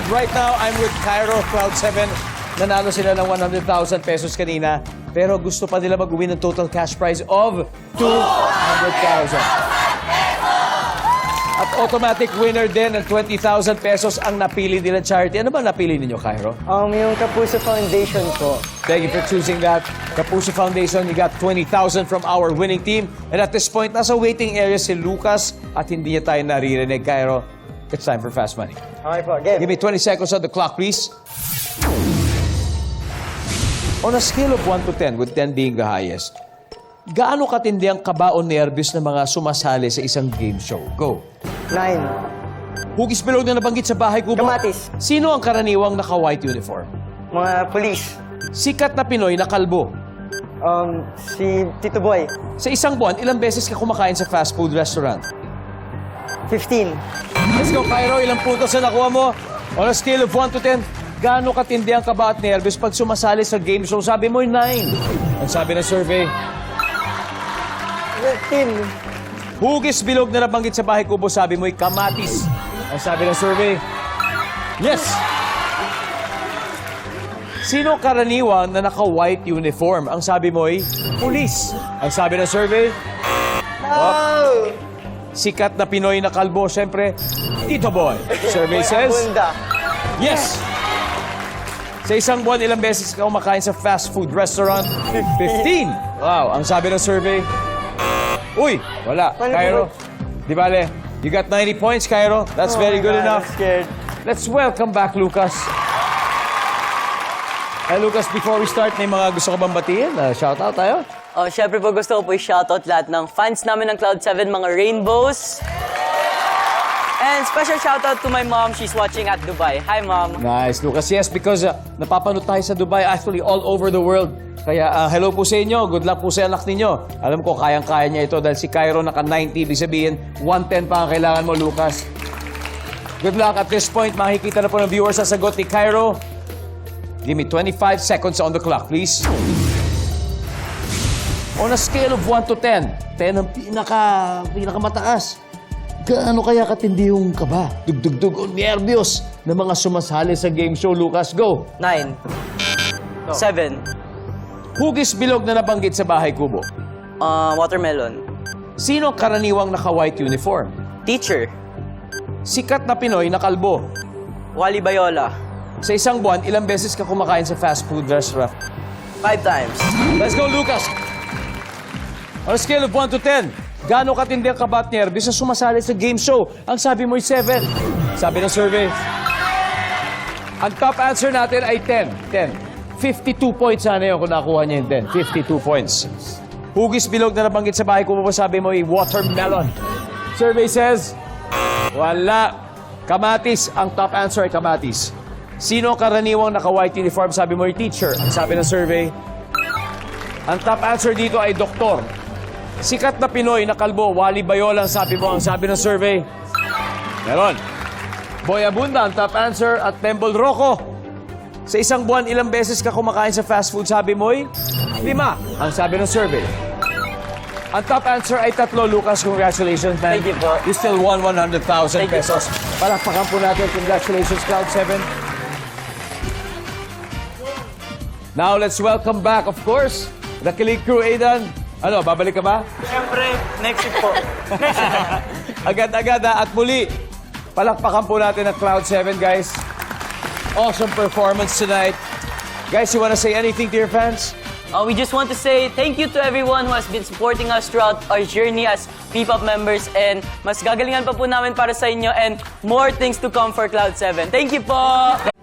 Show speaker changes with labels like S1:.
S1: right now, I'm with Cairo Cloud7. Nanalo sila ng 100,000 pesos kanina. Pero gusto pa nila mag-win ng total cash prize of 200,000. At automatic winner din ng 20,000 pesos ang napili nila charity. Ano ba napili ninyo, Cairo?
S2: Yung Kapuso Foundation po.
S1: Thank you for choosing that. Kapuso Foundation, you got 20,000 from our winning team. And at this point, nasa waiting area si Lucas at hindi niya tayo naririnig, Cairo. It's time for Fast Money.
S2: Okay po, game.
S1: Give me 20 seconds on the clock, please. On a scale of 1 to 10, with 10 being the highest, gaano katindi ang kaba o nervyos ng mga sumasali sa isang game show? Go.
S2: 9.
S1: Hugis bilog na nabanggit sa bahay kubo.
S2: Kamatis.
S1: Sino ang karaniwang naka-white uniform?
S2: Mga police.
S1: Sikat na Pinoy na kalbo.
S2: Si Tito Boy.
S1: Sa isang buwan, ilang beses ka kumakain sa fast food restaurant?
S2: 15.
S1: Let's go, Cairo. Ilang puntos na nakuha mo? On a scale of 1 to 10, gaano katindi ang kaba at nervyos pag sumasali sa game show? Sabi mo, 9. Ang sabi ng survey,
S2: 15.
S1: hugis bilog na nabanggit sa bahay kubo, sabi mo'y kamatis. Ang sabi ng survey, yes! Sino karaniwang na naka-white uniform? Ang sabi mo'y pulis. Ang sabi ng survey,
S2: Oh!
S1: sikat na Pinoy na kalbo, siyempre, Tito Boy. Survey says,
S2: Bunda.
S1: yes! Sa isang buwan, ilang beses ka kumakain sa fast food restaurant? 15. Wow, ang sabi ng survey, uy, wala.
S2: Paano
S1: Cairo, di bale, you got 90 points, Cairo. That's
S2: Oh
S1: very
S2: my
S1: good
S2: God,
S1: enough.
S2: I'm scared.
S1: Let's welcome back, Lucas. Hey, Lucas, before we start, may mga gusto ka bang batiin? Shoutout tayo?
S3: Syempre po gusto ko po i-shoutout lahat ng fans namin ng Cloud7, mga Rainbows. And special shoutout to my mom. She's watching at Dubai. Hi, Mom.
S1: Nice, Lucas. Yes, because napapanood tayo sa Dubai, actually all over the world. Kaya hello po sa inyo. Good luck po sa anak ninyo. Alam ko, kayang-kaya niya ito dahil si Cairo naka-90. Ibig sabihin, 110 pa ang kailangan mo, Lucas. Good luck. At this point, makikita na po ng viewers sa sagot ni Cairo. Give me 25 seconds on the clock, please. On a scale of 1 to 10, 10 ang pinakamataas. Gaano kaya katindi yung kaba, dugdugdug o nervyos ng mga sumasali sa game show, Lucas? Go!
S3: 9. 7.
S1: Hugis bilog na nabanggit sa bahay kubo.
S3: Watermelon.
S1: Sino ang karaniwang naka-white uniform?
S3: Teacher.
S1: Sikat na Pinoy na kalbo.
S3: Wally Bayola.
S1: Sa isang buwan, ilang beses ka kumakain sa fast food restaurant?
S3: 5 times.
S1: Let's go, Lucas! On a scale of 1 to 10, gaano katindi ang kaba at nervyos sa sumasali sa game show? Ang sabi mo'y 7. Sabi ng survey. Ang top answer natin ay 10. 10. 52 points sana yun kung nakuha niya yung 10. 52 points. Hugis bilog na nabanggit sa bahay ko mo, sabi mo ay watermelon. Survey says, wala. Kamatis. Ang top answer ay kamatis. Sino ang karaniwang naka-white uniform? Sabi mo ay teacher. Ang sabi ng survey. Ang top answer dito ay doktor. Sikat na Pinoy na kalbo, Wally Bayola ang sabi mo. Ang sabi ng survey, meron. Boy Abunda ang top answer at Temple Rocco. Sa isang buwan, ilang beses ka kumakain sa fast food? Sabi mo'y 5. Ang sabi ng survey. Ang top answer ay 3. Lucas, congratulations, man.
S3: Thank you po.
S1: You still won 100,000
S3: Thank you
S1: pesos. Palakpakan po natin. Congratulations, Cloud7. Now, let's welcome back, of course, the Kilig Crew, Aidan. Ano, babalik ka ba?
S2: Siyempre, next week po.
S1: Agad-agad at muli, palakpakan po natin ang Cloud7, guys. Awesome performance tonight. Guys, you wanna say anything to your fans?
S3: We just want to say thank you to everyone who has been supporting us throughout our journey as P-Pop members. And mas gagalingan pa po namin para sa inyo and more things to come for Cloud7. Thank you po!